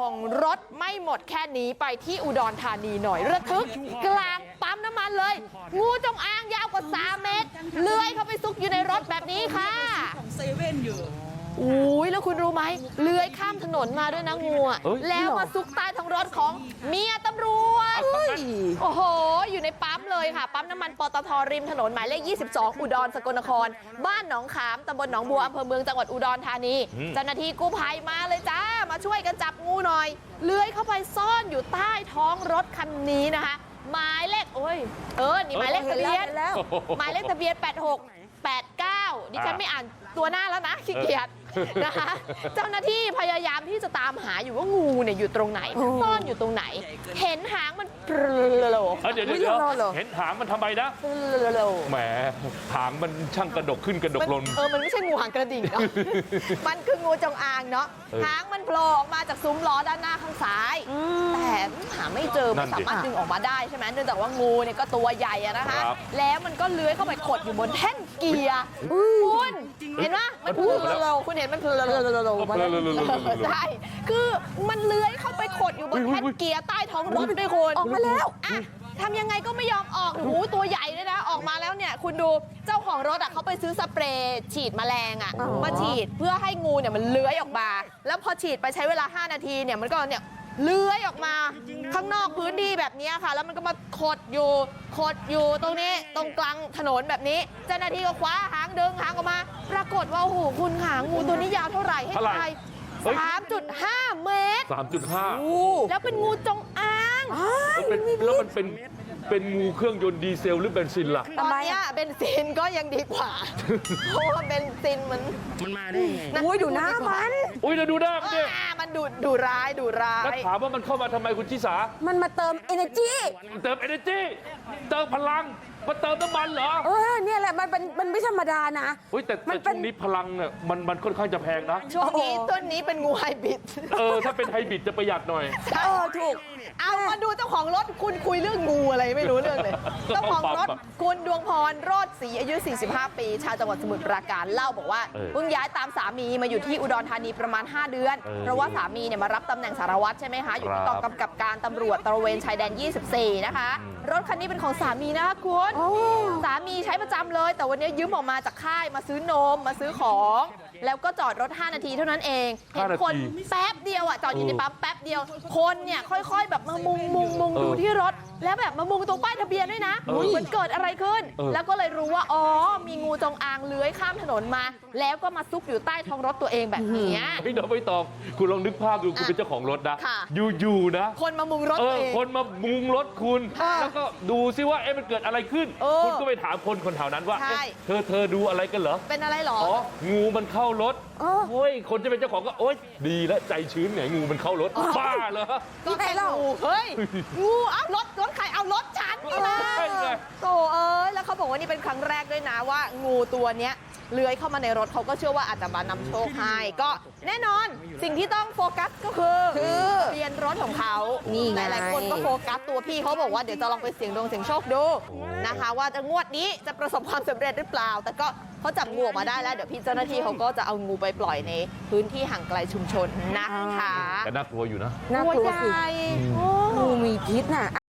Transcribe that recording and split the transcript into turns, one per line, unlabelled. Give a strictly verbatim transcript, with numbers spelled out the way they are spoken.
ของรถไม่หมดแค่นี้ไปที่อุดรธานีหน่อยระทึกกลางปั๊มน้ำมันเลยงูจงอางยาวกว่าสามเมตรเลื้อยเข้าไปซุกอยู่ในรถแบบนี้ค่ะ
ของเซเว่นอยู่
อุ้ยแล้วคุณรู้ไหมเลื้อยข้ามถนนมาด้วยนะงูอ่ะแล้วมาซุกใต้ท้องรถของเมียตำรวจโอ้โหอยู่ในปั๊มเลยค่ะปั๊มน้ำมันปตทริมถนนหมายเลขยี่สิบสองอุดรสกลนครบ้านหนองขามตำบลหนองบัวอำเภอเมืองจังหวัดอุดรธานีเจ้าหน้าที่กู้ภัยมาเลยจ้ามาช่วยกันจับงูหน่อยเลื้อยเข้าไปซ่อนอยู่ใต้ท้องรถคันนี้นะคะหมายเลขโอ้ยเออนี่หมายเลขทะเบียนหมายเลขทะเบียนแปดหกแปดเก้าดิฉันไม่อ่านตัวหน้าแล้วนะขี้เกียจนะคะเจ้าหน้าที่พยายามที่จะตามหาอยู่ว่างูเนี่ยอยู่ตรงไหนซ่อนอยู่ตรงไหนเห็นหางมันโผล่
เดี๋ยวเดี๋ยวเห็นหางมันทำไมนะแหมหางมันช่างกระดกขึ้นกระดกลง
เออมันไม่ใช่งูหางกระดิ่งเนาะมันคืองูจงอางเนาะหางมันโผล่ออกมาจากซุ้มล้อด้านหน้าข้างซ้ายแต่หาไม่เจอไม่สามารถดึงออกมาได้ใช่ไหมเนื่องจากว่างูเนี่ยก็ตัวใหญ่อะนะคะแล้วมันก็เลื้อยเข้าไปขดอยู่บนแท่นเกียร์คุณเห็นไหมมันพูดเราคุณเห็นมันเพลใช่คือมันเลื้อยเข้าไปขดอยู่บนแท่นเกียร์ใต้ท้องรถด้วยคุณออกมาแล้วอะทำยังไงก็ไม่ยอมออกโอ้โหตัวใหญ่เลยนะออกมาแล้วเนี่ยคุณดูเจ้าของรถอ่ะเขาไปซื้อสเปรย์ฉีดแมลงอ่ะมาฉีดเพื่อให้งูเนี่ยมันเลื้อยออกมาแล้วพอฉีดไปใช้เวลาห้านาทีเนี่ยมันก็เนี่ยเลื้อยออกมาข้างนอกพื้นที่แบบนี้ค่ะแล้วมันก็มาขดอยู่ขดอยู่ตรงนี้ตรงกลางถนนแบบนี้เจ้าหน้าที่ก็คว้าหางดึงหางออกมาปรากฏว่าโอ้โหคุณหางงูตัวนี้ยาวเท่าไหร่ให้ทายสามจุดห้าเมตร
สามจุดห้า
แล้วเป็นงูจงอาง
แล้วมันเป็นเป็นงูเครื่องยนต์ดีเซลหรือเบนซินล่ะ
ตอนนี้เบนซินก็ยังดีกว่าเพราะว่าเบนซินมัน
มันมาได้ไง
อุ้ยดูหน้ามัน
อุ้ยเราดูหน้ามันดิ
มันดูดูร้ายดูร้าย
แล้วถามว่ามันเข้ามาทำไมคุณชิสา
มันมาเติม energy
เติม energy เติมพลังมาเติมน้ำมันเหรอ
เออเนี่ยแหละมันเป็นมันไม่ธรรมดานะ
เฮ้ยแต่ช่วงนี้พลังเนี่ยมันมันค่อนข้างจะแพงนะ
ช่วงนี้ต้นนี้เป็นงูไฮบริด
เออถ้าเป็นไฮบริดจะประหยัดหน่อย
เออถูกเอามาดูเจ้าของรถคุณคุยเรื่องงูอะไรไม่รู้เรื่องเลยเจ้าของรถคุณดวงพรโรจน์ศรีอายุสี่สิบห้าปีชาวจังหวัดสมุทรปราการเล่าบอกว่าเพิ่งย้ายตามสามีมาอยู่ที่อุดรธานีประมาณห้าเดือนเพราะว่าสามีเนี่ยมารับตำแหน่งสารวัตรใช่ไหมคะอยู่ที่กองกำกับการตำรวจตระเวนชายแดนยี่สิบสี่นะคะรถคันนี้เป็นของสามีนะคะคุณสามีใช้ประจำเลยแต่วันนี้ยืมออกมาจากค่ายมาซื้อนมมาซื้อของแล้วก็จอดรถห้านาทีเท่านั้นเองเห็นคนแป๊บเดียวอ่ะจอดอยู่ในปั๊มแป๊บเดียวคนเนี่ยค่อยๆแบบมามุงมุงมุงดูที่รถแล้วแบบมามุงตรงป้ายทะเบียนด้วยนะมันเกิดอะไรขึ้นแล้วก็เลยรู้ว่าอ๋อมีงูจงอางเลื้อยข้ามถนนมาแล้วก็มาซุกอยู่ใต้ท้องรถตัวเองแบบนี้
ไม่ต้องไม่ตอบคุณลองนึกภาพดูคุณเป็นเจ้าของรถนะอยู่ๆนะ
คนมามุงรถเอง
คนมามุงรถคุณแล้วก็ดูซิว่าเอ๊ะมันเกิดอะไรขึ้นคุณก็ไปถามคนคนแถวนั้นว่าเธอเธอดูอะไรกันเหรอ
เป็นอะไรหรอ
อ๋องูมันเข้ารถโอ้ยคนจะเป็นเจ้าของก็โอ๊ยดีแล้วใจชื้นไงงูมันเข้ารถบ้าเหรอ
ก็แค่งูเฮ้ยงูเอารถรถใครเอารถฉันนี่นะโตเอ้ยแล้วเขาบอกว่านี่เป็นครั้งแรกด้วยนะว่างูตัวเนี้ยเลื้อยเข้ามาในรถเขาก็เชื่อว่าอาจจะมานำโชคให้ก็แน่นอนสิ่งที่ต้องโฟกัสก็คือทะเบียนรถของเขานี่หลายคนก็โฟกัสตัวพี่เขาบอกว่าเดี๋ยวจะลองไปเสี่ยงดวงเสี่ยงโชคดูนะคะว่าจะงวดนี้จะประสบความสำเร็จหรือเปล่าแต่ก็เขาจับงูออกมาได้แล้วเดี๋ยวพี่เจ้าหน้าที่เขาก็จะเอางูไปปล่อยในพื้นที่ห่างไกลชุมชนนะคะ
แต่น่ากลัวอยู่นะ
น่ากลัวสิ
งูมีพิษน่ะ